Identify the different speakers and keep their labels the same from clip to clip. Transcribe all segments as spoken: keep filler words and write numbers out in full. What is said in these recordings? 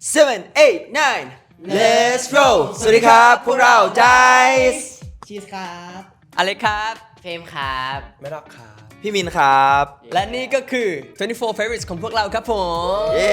Speaker 1: seven eight nine let's roll สวัสดีครับพวกเรา Dice
Speaker 2: ชีสครับ
Speaker 3: อเล็กครับ
Speaker 4: เฟรมครับ
Speaker 5: ไม่รักครับ
Speaker 1: พี่มินครับ
Speaker 3: และนี่ก็คือยี่สิบสี่ favorites ของพวกเราครับผม
Speaker 1: เย้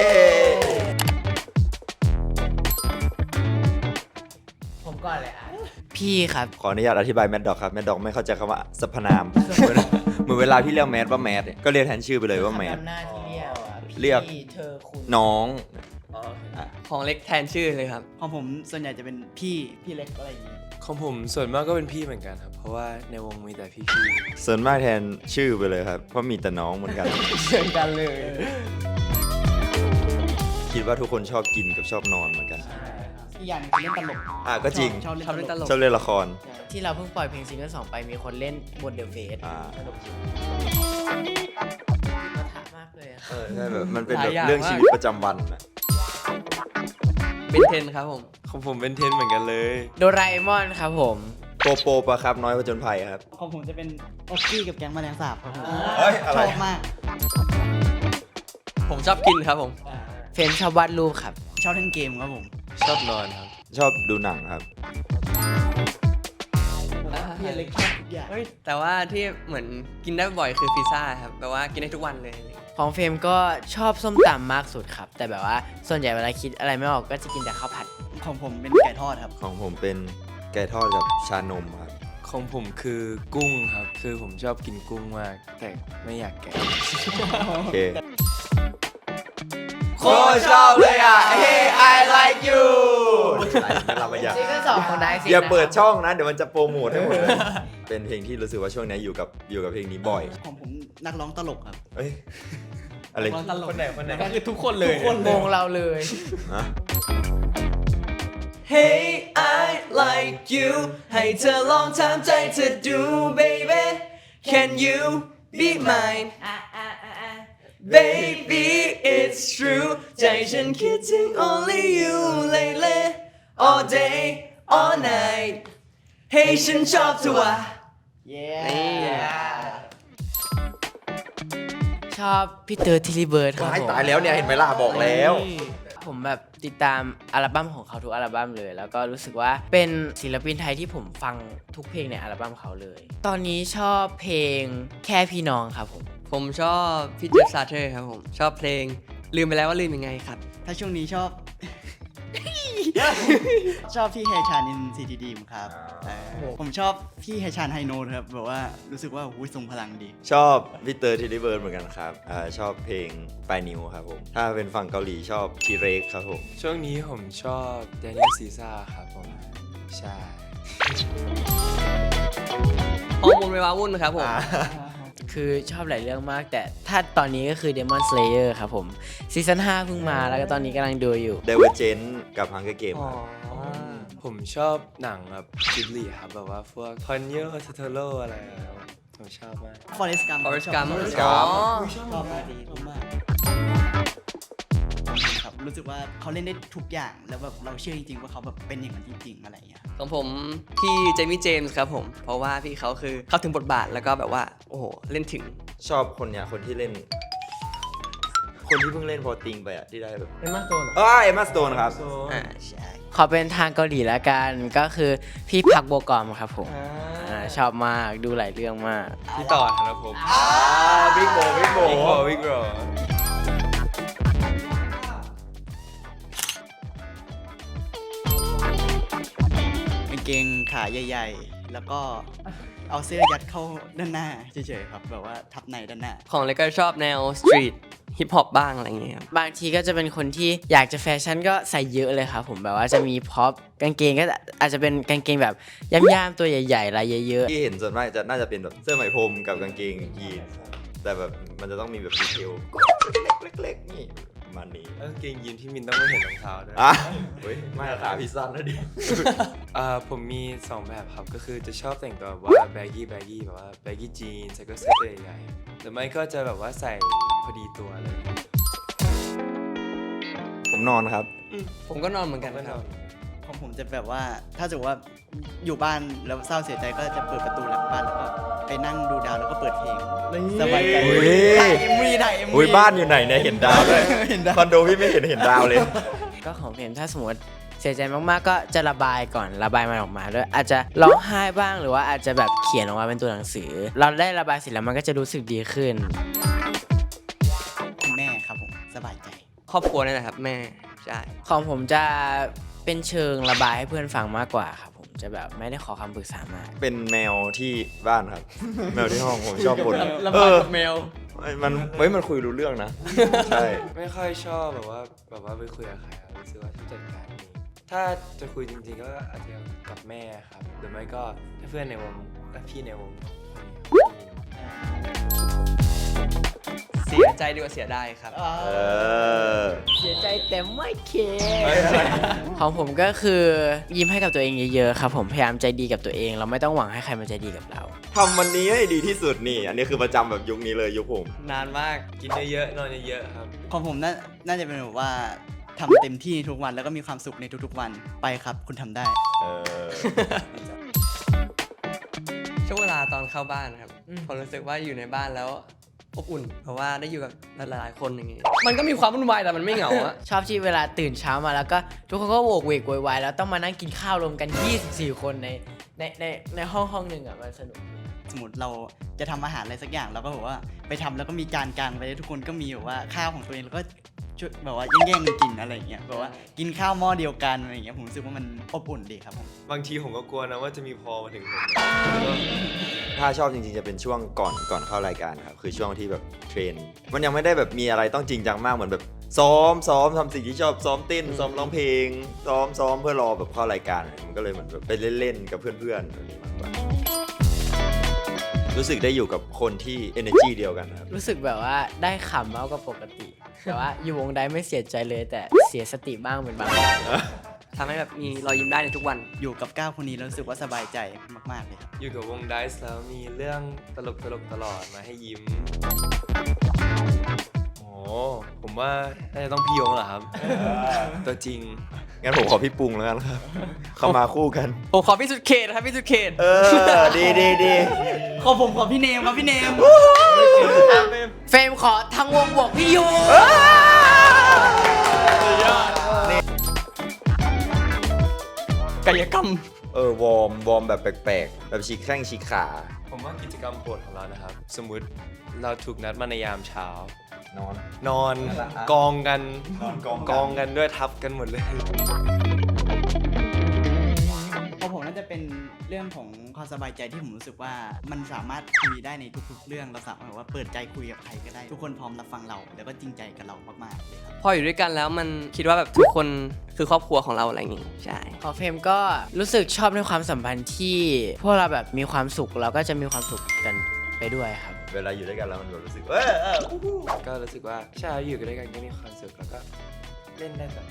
Speaker 4: ผมก่อนเลยอ่ะ พี่ครับ
Speaker 1: ขออนุญาตอธิบายแมดด็อกครับแมดด็อกไม่เข้าใจคำว่าสรรพนาม เหมือนเหมือนเวลาพี่เรียกแมดว่าแมดเนี่ยก็เรียกแทนชื่อไปเลยว่าแมด
Speaker 4: ทำหน้าที่เรียกอ่ะ
Speaker 1: เรียก
Speaker 4: พี่เธอคุณ
Speaker 1: น้อง
Speaker 3: ของเล็กแทนชื่อเลยครับ
Speaker 2: ของผมส่วนใหญ่จะเป็นพี่พี่เล็กอะไรอย่างงี้
Speaker 5: ของผมส่วนมากก็เป็นพี่เหมือนกันครับ เพราะว่าในวงมีแต่พี่
Speaker 1: ส่วนมากแทนชื่อไปเลยครับเพราะมีแต่น้องเหมือนกัน
Speaker 3: เชิญกันเลย
Speaker 1: คิดว่าทุกคนชอบกินกับชอบนอนเหมือนกัน
Speaker 2: อีกอย่างหนึงคือเล่นตลก
Speaker 1: อ่ะก็จริง
Speaker 2: ชอบ
Speaker 3: ชอบ
Speaker 2: เล่
Speaker 3: เล่
Speaker 2: น
Speaker 3: น
Speaker 2: ต
Speaker 3: ต
Speaker 2: ล
Speaker 3: ล
Speaker 2: ก
Speaker 3: ก
Speaker 1: ชอบเล่นละคร
Speaker 4: ที่เราเพิ่งปล่อยเพลงซิงเกิลสองไปมีคนเล่นบนเดอะเฟส
Speaker 1: อ่า
Speaker 4: สนุกจริงมาถามมากเลยอะ
Speaker 1: เออใช่แบบมันเป็น
Speaker 3: ห
Speaker 1: แบ
Speaker 3: ลาย
Speaker 1: บ
Speaker 3: อย่าง
Speaker 1: เรื่อง
Speaker 3: มาก
Speaker 1: ชีวิตประจำวันอะ
Speaker 3: เป็นเทนครับผม
Speaker 5: ๆของผมเป็นเทนเหมือนกันเลย
Speaker 4: โดราเอมอนครับผม
Speaker 1: โปโปปะครับน้อยผจญภัยครับ
Speaker 2: ของผมจะเป็นออกกี้กับแก๊งแมลงสาบครับผม
Speaker 1: เฮ้ยอะไร
Speaker 2: ชอบมาก
Speaker 3: ผมชอบกินครับผม
Speaker 4: เฟรมชอบวาดรูปครับ
Speaker 2: ชอบเล่นเกมครับผม
Speaker 5: ชอบนอนครับ
Speaker 1: ชอบดูหนังครับ
Speaker 2: พี่เล็กชอบทุกอย่าง
Speaker 3: เฮ้ยแต่ว่าที่เหมือนกินได้บ่อยคือพิซซ่าครับแบบว่ากินได้ทุกวันเลย
Speaker 4: ของเฟรมก็ชอบส้มตำมากสุดครับ แต่แบบว่าส่วนใหญ่เวลาคิดอะไรไม่ออกก็จะกินแต่ข้าวผัด
Speaker 2: ของผมเป็นไก่ทอดครับ
Speaker 1: ของผมเป็นไก่ทอดกับชานมครับ
Speaker 5: ของผมคือกุ้งครับ คือผมชอบกินกุ้งมาก แต่ไม่อยากแกะ
Speaker 1: โอเคโคตรชอบเลยอ่ะ Hey I like you เราไม่อยาก
Speaker 4: ซิงเกิลสองของไดซิ
Speaker 1: อย่าเปิดช่องนะ เดี๋ยวมันจะโปรโมทให้หมดเลย เป็นเพลงที่รู้สึกว่าช่วงนี้อยู่กับอยู่กับเพลงนี้บ่อย
Speaker 2: ของผมนักร้องตลกครับ
Speaker 1: เอ้ยอะไร
Speaker 5: คนไหนคนไหน
Speaker 3: ก็คือทุกคนเลย
Speaker 4: วงเราเลย
Speaker 1: ฮะ
Speaker 3: Hey I like you ให้เธอลองถามใจเธอดู baby Can you be mine Baby it's true ใจฉันคิดถึง only you lately all day all night Hey ฉันชอบเธอว่ะ
Speaker 4: ชอบพี่เตอร์ทิลิเบิร์ดครับ
Speaker 1: ตาย
Speaker 4: ผม
Speaker 1: ตายแล้วเนี่ยเห็นไหมล่ะบอกแล้ว
Speaker 4: ผมแบบติดตามอัลบั้มของเขาทุกอัลบั้มเลย แล้วก็รู้สึกว่าเป็นศิลปินไทยที่ผมฟังทุกเพลงในอัลบั้มเขาเลย ตอนนี้ชอบเพลงแค่พี่น้องครับผม
Speaker 3: ผมชอบพี่เจฟซาเทอร์ครับผม ชอบเพลงลืมไปแล้วว่าลืมยังไงครับ
Speaker 2: ถ้าช่วงนี้ชอบ ชอบพี่เฮชานินซีทีดีมครับเออผมชอบพี่เฮชานไฮโนดครับแบบว่ารู้สึกว่าหุ้ยทรงพลังดี
Speaker 1: ชอบพี่เตอร์ทิลิเบิร์ดเหมือนกันครับอ่าชอบเพลงปลายนิ้วครับผม ถ้าเป็นฝั่งเกาหลีชอบทีเรกครับผม
Speaker 5: ช่วงนี้ผมชอบแดเนียลซีซ่าครับผม ใช่
Speaker 3: ฮอร์โมนเววาวุ่นครับผม
Speaker 4: คือชอบหลายเรื่องมาก แต่ถ้าตอนนี้ก็คือ Demon Slayer ครับผมซีซั่นห้าเพิ่งมาแล้วก็ตอนนี้กำลังดูอยู่
Speaker 1: เดเวอร์เจนกับฮังเกอร์เกมครับ
Speaker 5: ผมชอบหนังแบบจิบลีครับ แบบว่าพวกพอนเยอร์ทัตโลอะไรครับผมชอบมาก
Speaker 2: ฟอเรสต์กัม
Speaker 3: Forrest Gump
Speaker 1: อ๋อ
Speaker 2: ชอบมากดีชอบมากครับรู้สึกว่าเขาเล่นได้ทุกอย่างแล้วแบบเราเชื่อจริงๆว่าเขาแบบเป็นอย่างนั้นจริงๆอะไรอย่างเงี้ย
Speaker 3: ของผมพี่เจมี่เจมส์ครับผม เพราะว่าพี่เขาคือเข้าถึงบทบาทแล้วก็แบบว่า โอ้โห เล่นถึง
Speaker 1: ชอบคนเนี้ยคนที่เล่น คนที่เพิ่งเล่นพอติงไปอะที่ได้แบบ
Speaker 3: เอ็มมาโซน
Speaker 1: อ้าเอมมาสโตนครับ
Speaker 3: อ่าใช่
Speaker 4: ขอเป็นทางเกาหลีละกันก็คือพี่พักโบกอมครับผมอ่าชอบมากดูหลายเรื่องมาก
Speaker 5: พี่ต่อครับผม
Speaker 1: อ่าบิ๊กโบบิ๊กโบ
Speaker 5: วิกโรวิกโร
Speaker 2: กางเกงขาใหญ่ๆ แล้วก็เอาเสื้อยัดเข้าด้านหน้าเฉยๆครับแบบว่าทับในด้านหน้า
Speaker 3: ของเล็กก็ชอบแนวสตรีทฮิปฮอปบ้างอะไรอย่างเงี้ยครับ
Speaker 4: บางทีก็จะเป็นคนที่อยากจะแฟชั่นก็ใส่เยอะเลยครับผมแบบว่าจะมีพ็อปกางเกงก็อาจจะเป็นกางเกงแบบย่ามๆตัวใหญ่ๆลายเยอะ
Speaker 1: ที่เห็นส่วนมากจะน่าจะเป็นแบบเสื้อไหมพรมกับกางเกงยีนส์แต่แบบมันจะต้องมีแบบดีเทลเล็กๆนี่ประมาณนี้
Speaker 5: แล้วกางเกงยีนพี่มินต้องไม่เห็นรองเท้าด้วย
Speaker 1: อ่ะเฮ้ยไม่ขาพิซซ่านะดิ
Speaker 5: อ่าผมมีสองแบบครับ ก็คือจะชอบแต่งตัวแบบว่าแบกกี้แบกกี้แบบว่าแบกกี้จีนใส่ก็เสื้อตัวใหญ่ๆหรือไม่ก็จะแบบว่าใส่พอดีตัวอะไรอย่างเงี้ย
Speaker 1: ผมนอนครับ
Speaker 3: ผมก็นอนเหมือนกัน
Speaker 5: ก็
Speaker 3: คน รับ
Speaker 5: อน
Speaker 2: ของผมจะแบบว่าถ้าสมมติว่าอยู่บ้านแล้วเศร้าเสียใจก็จะเปิดประตูหลังบ้านแล้วก็ไปนั่งดูดาวแล้วก็เปิดเพลงสบายใจ
Speaker 1: เฮ้ย
Speaker 2: ถ่ายเอ็มวีถ่ายเอ็มวี
Speaker 1: อุ้ยบ้านอยู่ไหนเนี่ยเห็นดาวด้วย
Speaker 2: เห็นดาว
Speaker 1: คอนโดพี่ไม่เห็นเห็นดาวเลย
Speaker 4: ก็ของเพลงถ้าสมมติเสียใจมากๆก็จะระบายก่อนระบายมันออกมาด้วยอาจจะร้องไห้บ้างหรือว่าอาจจะแบบเขียนออกมาเป็นตัวหนังสือ เราได้ระบายเสร็จแล้วมันก็จะรู้สึกดีขึ้น
Speaker 2: คุณแม่ครับผมสบายใจ
Speaker 3: ครอบครัวนี่แหละครับแม่ใช่
Speaker 4: ของผมจะเป็นเชิงระบายให้เพื่อนฟังมากกว่าครับผมจะแบบไม่ได้ขอคำปรึกษามาก
Speaker 1: เป็นแมวที่บ้านครับ แมวที่ห้องผมชอบบ่น
Speaker 3: ระบายกับแมว
Speaker 1: เออมันเฮ้ยมันคุยรู้เรื่องนะ ใช่
Speaker 5: ไม่ค่อยชอบแบบว่าแบบว่าไปคุยกับใครครับรู้สึกว่าชอบจัดการเองถ้าจะคุยจริงๆก็อาจจะกับแม่ครับหรือไม่ก็ถ้าเพื่อนในวงและพี่ในวง
Speaker 3: เสียใจดีกว่าเสียดายครับ
Speaker 1: เออ
Speaker 4: เสียใจแต่ไม่เคของผมก็คือยิ้มให้กับตัวเองเยอะๆครับผมพยายามใจดีกับตัวเอง เราไม่ต้องหวังให้ใครมาใจดีกับเรา
Speaker 1: ทำวันนี้ให้ดีที่สุดนี่ อันนี้คือประจำแบบยุคนี้เลยยุคผม
Speaker 3: นานมาก
Speaker 5: กินเยอะๆนอนเยอะๆครับ
Speaker 2: ของผมน่าน่าจะเป็นแบบว่าทำเต็มที่ทุกวันแล้วก็มีความสุขในทุกๆวันไปครับ คุณทำได้
Speaker 1: เออ
Speaker 3: ช่วงเวลาตอนเข้าบ้านครับผมรู้สึกว่าอยู่ในบ้านแล้วอบอุ่น เพราะว่าได้อยู่กับหลายๆคนอย่างงี้ มันก็มีความวุ่นวายแต่มันไม่เหงาอะ
Speaker 4: ชอบที่เวลาตื่นเช้ามาแล้วก็ทุกคนก็โวกเวกโวยวายแล้วต้องมานั่งกินข้าวรวมกันยี่สิบสี่คนในในในในห้องห้องหนึ่งอ่ะมันสนุกดี
Speaker 2: สมมติเราจะทำอาหารอะไรสักอย่างเราก็แบบว่าไปทำแล้วก็มีจานกลางไปทุกคนก็มีแบบว่าข้าวของตัวเองแล้วก็ช่วยแบบว่าแย่งๆกันกินอะไรอย่างเงี้ยแบบว่ากินข้าวหม้อเดียวกันอะไรอย่างเงี้ยผมรู้สึกว่ามันอบอุ่นดีครับผม
Speaker 5: บางทีผมก็กลัวนะว่าจะมีพอมาถึงผม
Speaker 1: ถ้าชอบจริงๆจะเป็นช่วงก่อนก่อนเข้ารายการครับ คือช่วงที่แบบเทรน มันยังไม่ได้แบบมีอะไรต้องจริงจังมากเหมือนแบบซ้อมซ้อมทำสิ่งที่ชอบซ้อมเต้นซ้อมร้องเพลง ซ้อมซ้อมเพื่อรอแบบเข้ารายการ มันก็เลยเหมือนแบบไปเล่นๆกับเพื่อนๆแบบนี้มากกว่ารู้สึกได้อยู่กับคนที่ energy เดียวกันครับ
Speaker 4: รู้สึกแบบว่าได้ขำมากกว่าปกติแต่ว่าอยู่วงใดไม่เสียใจเลยแต่เสียสติบ้างเป็นบางครั้ง
Speaker 3: ทำให้แบบมีรอยยิ้มได้ในทุกวัน
Speaker 2: อยู่กับก้าวคนนี้แล้วรู้สึกว่าสบายใจมากๆเลยครับ
Speaker 5: อยู่กับวงไดซ์แล้วมีเรื่องตลกตลกๆตลอดมาให้ยิ้ม โอ้ผมว่าน่าจะต้องพี่ยงแหละครับ ตัวจริง
Speaker 1: งั้นผมขอพี่ปรุงแล้วกันครับ เข้ามาคู่กัน
Speaker 3: ผมขอพี่สุดเขตครับพี่สุดเขต
Speaker 1: เออ ดีดีดี
Speaker 2: ขอผมขอพี่เนมครับพี่เนม
Speaker 4: เฟรมขอทั้งวงบวกพี่ยู
Speaker 3: กายกรรม
Speaker 1: เออ วอร์ม วอร์มแบบแปลกๆ แบบฉีกแข้งฉีกขา
Speaker 5: ผมว่ากิจกรรมโปรดของเรานะครับ สมมุติเราถูกนัดมาในยามเช้า
Speaker 1: นอน
Speaker 5: นอน
Speaker 1: นั่นแหละฮะ
Speaker 5: กองกัน
Speaker 1: นอนกองกัน
Speaker 5: กองกันด้วยทับกันหมดเลย
Speaker 2: ของผมน่าจะเป็นเรื่องของความสบายใจที่ผมรู้สึกว่ามันสามารถคุยได้ในทุกๆเรื่องเราสามารถแบบว่าเปิดใจคุยกับใครก็ได้ ทุกคนพร้อมรับฟังเราแล้วก็จริงใจกับเรามากๆเลยครับ
Speaker 3: พออยู่ด้วยกันแล้วมันคิดว่าแบบทุกคนคือครอบครัวของเราอะไรอย่างงี้ใช่
Speaker 4: ของเฟรมก็รู้สึกชอบในความสัมพันธ์ที่พวกเราแบบมีความสุขเราก็จะมีความสุขกันไปด้วยครับ
Speaker 1: เวลาอยู่ด้วยกันแล้วมันแบบรู้สึก เออเออ
Speaker 5: ก็รู้สึกว่าใช่อยู่กันด้วยกันก็มีความสุขแล้วก็เล่นได้แบบ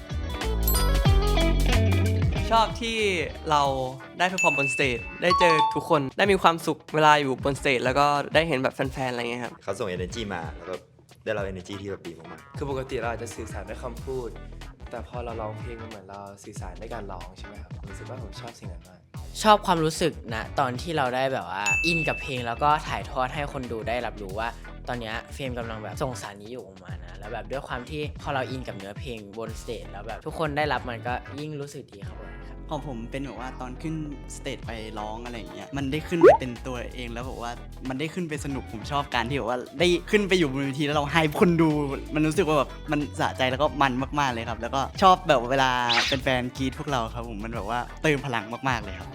Speaker 3: ชอบที่เราได้เพอร์ฟอร์มบนสเตจได้เจอทุกคนได้มีความสุขเวลาอยู่บนสเตจแล้วก็ได้เห็นแบบแฟนๆอะไรเงี้ยครับ
Speaker 1: เขาส่ง energy มา แล้วก็ได้รับ energy ที่แบบดีมาก
Speaker 5: คือปกติเราอาจจะสื่อสารด้วยคำพูด แต่พอเราร้องเพลงมันเหมือนเราสื่อสารด้วยการร้องใช่ไหมครับผมรู้สึกว่าผมชอบสิ่งนั้นมาก
Speaker 4: ชอบความรู้สึกนะตอนที่เราได้แบบว่าอินกับเพลงแล้วก็ถ่ายทอดให้คนดูได้รับรู้ว่า ตอนเนี้ยเฟรมกำลังแบบส่งสารนี้อยู่ออกมานะแล้วแบบด้วยความที่พอเราอินกับเนื้อเพลงบนสเตจแล้วแบบทุกคนได้รับมันก็ยิ่งรู้สึกดีครับผมครับ
Speaker 2: ของผมเป็นแบบว่าตอนขึ้นสเตจไปร้องอะไรอย่างเงี้ยมันได้ขึ้นไปเป็นตัวเองแล้วแบบว่ามันได้ขึ้นไปสนุกผมชอบการที่แบบว่าได้ขึ้นไปอยู่บนเวทีแล้วเราให้คนดู มันรู้สึกว่าแบบมันสะใจแล้วก็มันมากๆเลยครับ แล้วก็ชอบแบบเวลาเป็นแฟนกรีดพวกเราครับผมมันแบบว่าเติมพลังมากๆเลยครับ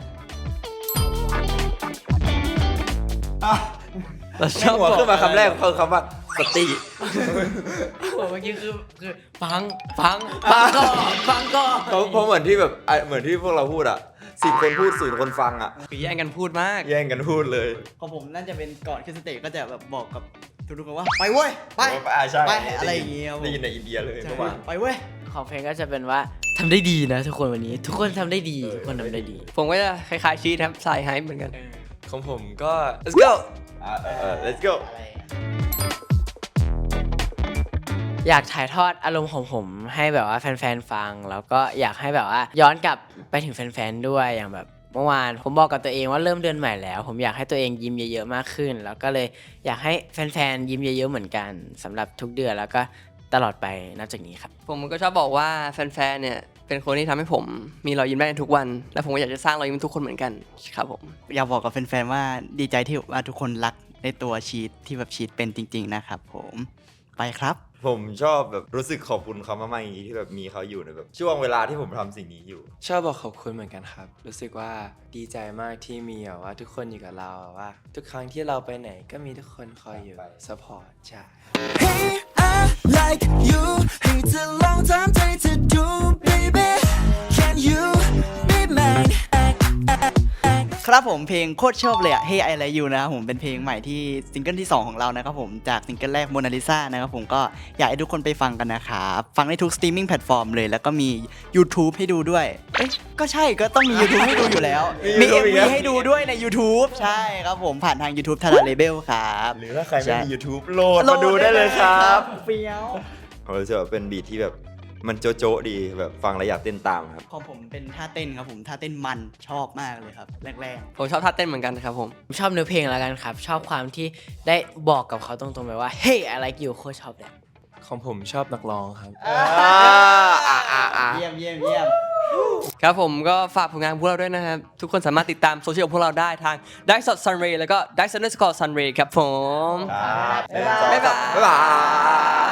Speaker 3: เรา
Speaker 1: ๆ
Speaker 3: ชอบ
Speaker 1: หัวขึ้นมาคำแรกคือคำว่าสติ
Speaker 4: เมื่อกี้คือคือฟังฟังฟังก่อนฟังก่อน
Speaker 1: เพราะเพราะเหมือนที่แบบอ่ะเหมือนที่พวกเราพูดอ่ะสิบคนพูดศูนย์คนฟังอ่ะ
Speaker 3: คือแย่งกันพูดมาก
Speaker 1: แย่งกันพูดเลย
Speaker 2: ของผมน่าจะเป็นก่อนขึ้นสเตจก็จะแบบบอกกับทุกๆคนว่าไปเว้ยไป
Speaker 1: อ่าใช่
Speaker 2: ไปอะไรอย่างเงี้ยครับผม
Speaker 1: ได้ยินในอินเดียเลย
Speaker 2: ใช่
Speaker 1: เมื่อวาน
Speaker 2: ไปเว้ย
Speaker 4: ของเพลงก็จะเป็นว่าทำได้ดีนะทุกคนวันนี้ ทุกคนทำได้ดีทุกคนทำได้ดี
Speaker 3: ผมก็จะคล้ายๆชีทครับสายไฮป์เหมือนกัน
Speaker 5: ของผมก็ let's go
Speaker 1: อ่ะเออ let's go
Speaker 4: อยากถ่ายทอดอารมณ์ของผมให้แบบว่าแฟนๆฟัง แล้วก็อยากให้แบบว่าย้อนกลับไปถึงแฟนๆด้วยอย่างแบบเมื่อวานผมบอกกับตัวเองว่าเริ่มเดือนใหม่แล้ว ผมอยากให้ตัวเองยิ้มเยอะๆมากขึ้น แล้วก็เลยอยากให้แฟนๆยิ้มเยอะๆเหมือนกันสำหรับทุกเดือนแล้วก็ตตลอดไปนับจากนี้ครับ
Speaker 3: ผมก็ชอบบอกว่าแฟนๆ เนี่ยเป็นคนที่ทำให้ผมมีรอยยิ้มได้ในทุกวัน และผมก็อยากจะสร้างรอยยิ้มทุกคนเหมือนกันครับผม
Speaker 2: อยากบอกกับแฟนๆว่าดีใจที่ว่าทุกคนรักในตัวชีตที่แบบชีตเป็นจริงๆนะครับผมไปครับ
Speaker 1: ผมชอบแบบรู้สึกขอบคุณเขามากๆอย่างนี้ที่แบบมีเขาอยู่ในแบบช่วงเวลาที่ผมทำสิ่งนี้อยู่
Speaker 5: ชอบบอกขอบคุณเหมือนกันครับ รู้สึกว่าดีใจมากที่มีแบบว่าทุกคนอยู่กับเราแบบว่า ทุกครั้งที่เราไปไหนก็มีทุกคนคอยอยู่สปอร์ตใช่
Speaker 6: Hey, I like you. It's a long time take to do, baby. Can you be mine?
Speaker 2: ครับผมเพลงโคตรชอบเลยอะ Hey I Like You นะครับผมเป็นเพลงใหม่ที่ซิงเกิลที่สองของเรานะครับผมจากซิงเกิลแรก Mona Lisa นะครับผมก็อยากให้ทุกคนไปฟังกันนะครับฟังได้ทุกสตรีมมิ่งแพลตฟอร์มเลยแล้วก็มี YouTube ให้ดูด้วยเอ๊ะก็ใช่ก็ต้องมี YouTube ให้ดูอยู่แล้ว
Speaker 1: มี
Speaker 2: มี
Speaker 1: YouTube อี
Speaker 2: เอ็ม
Speaker 1: กแล้
Speaker 2: วี
Speaker 1: ว
Speaker 2: ให้ดูด้วยใน YouTube ใช่ครับผมผ่านทาง YouTube ทาราเลเบลครับ
Speaker 1: หรือถ้าใครไม่
Speaker 2: ใช่
Speaker 1: มี YouTube โหลดมาดูได้เลยครับ
Speaker 2: เฟี้ยว
Speaker 1: ผมรู้สึกว่าเป็นบีทที่แบบมันโจ๊ะโจ๊ะดีแบบฟังแล้วอยากเต้นตามครับ
Speaker 2: ของผมเป็นท่าเต้นครับผมท่าเต้นมันชอบมากเลยครับแรก
Speaker 3: ผมชอบท่าเต้นเหมือนกันครับผม
Speaker 4: ชอบเนื้อเพลงแล้วกันครับ ชอบความที่ได้บอกกับเขาตรงๆไปว่า Hey I like you โคตรชอบเลย
Speaker 5: ของผมชอบนักร้องครับ
Speaker 2: ๆเยี่ยมเยี่ยมเยี่ยม
Speaker 3: ครับผมก็ฝากผลงานพวกเราด้วยนะครับ ทุกคนสามารถติดตามโซเชียลของพวกเราได้ทาง Dice Sunray แล้วก็ Dice Underscore Sunray ครับผม
Speaker 1: ครับ
Speaker 3: บ๊ายบาย
Speaker 1: บ๊ายบาย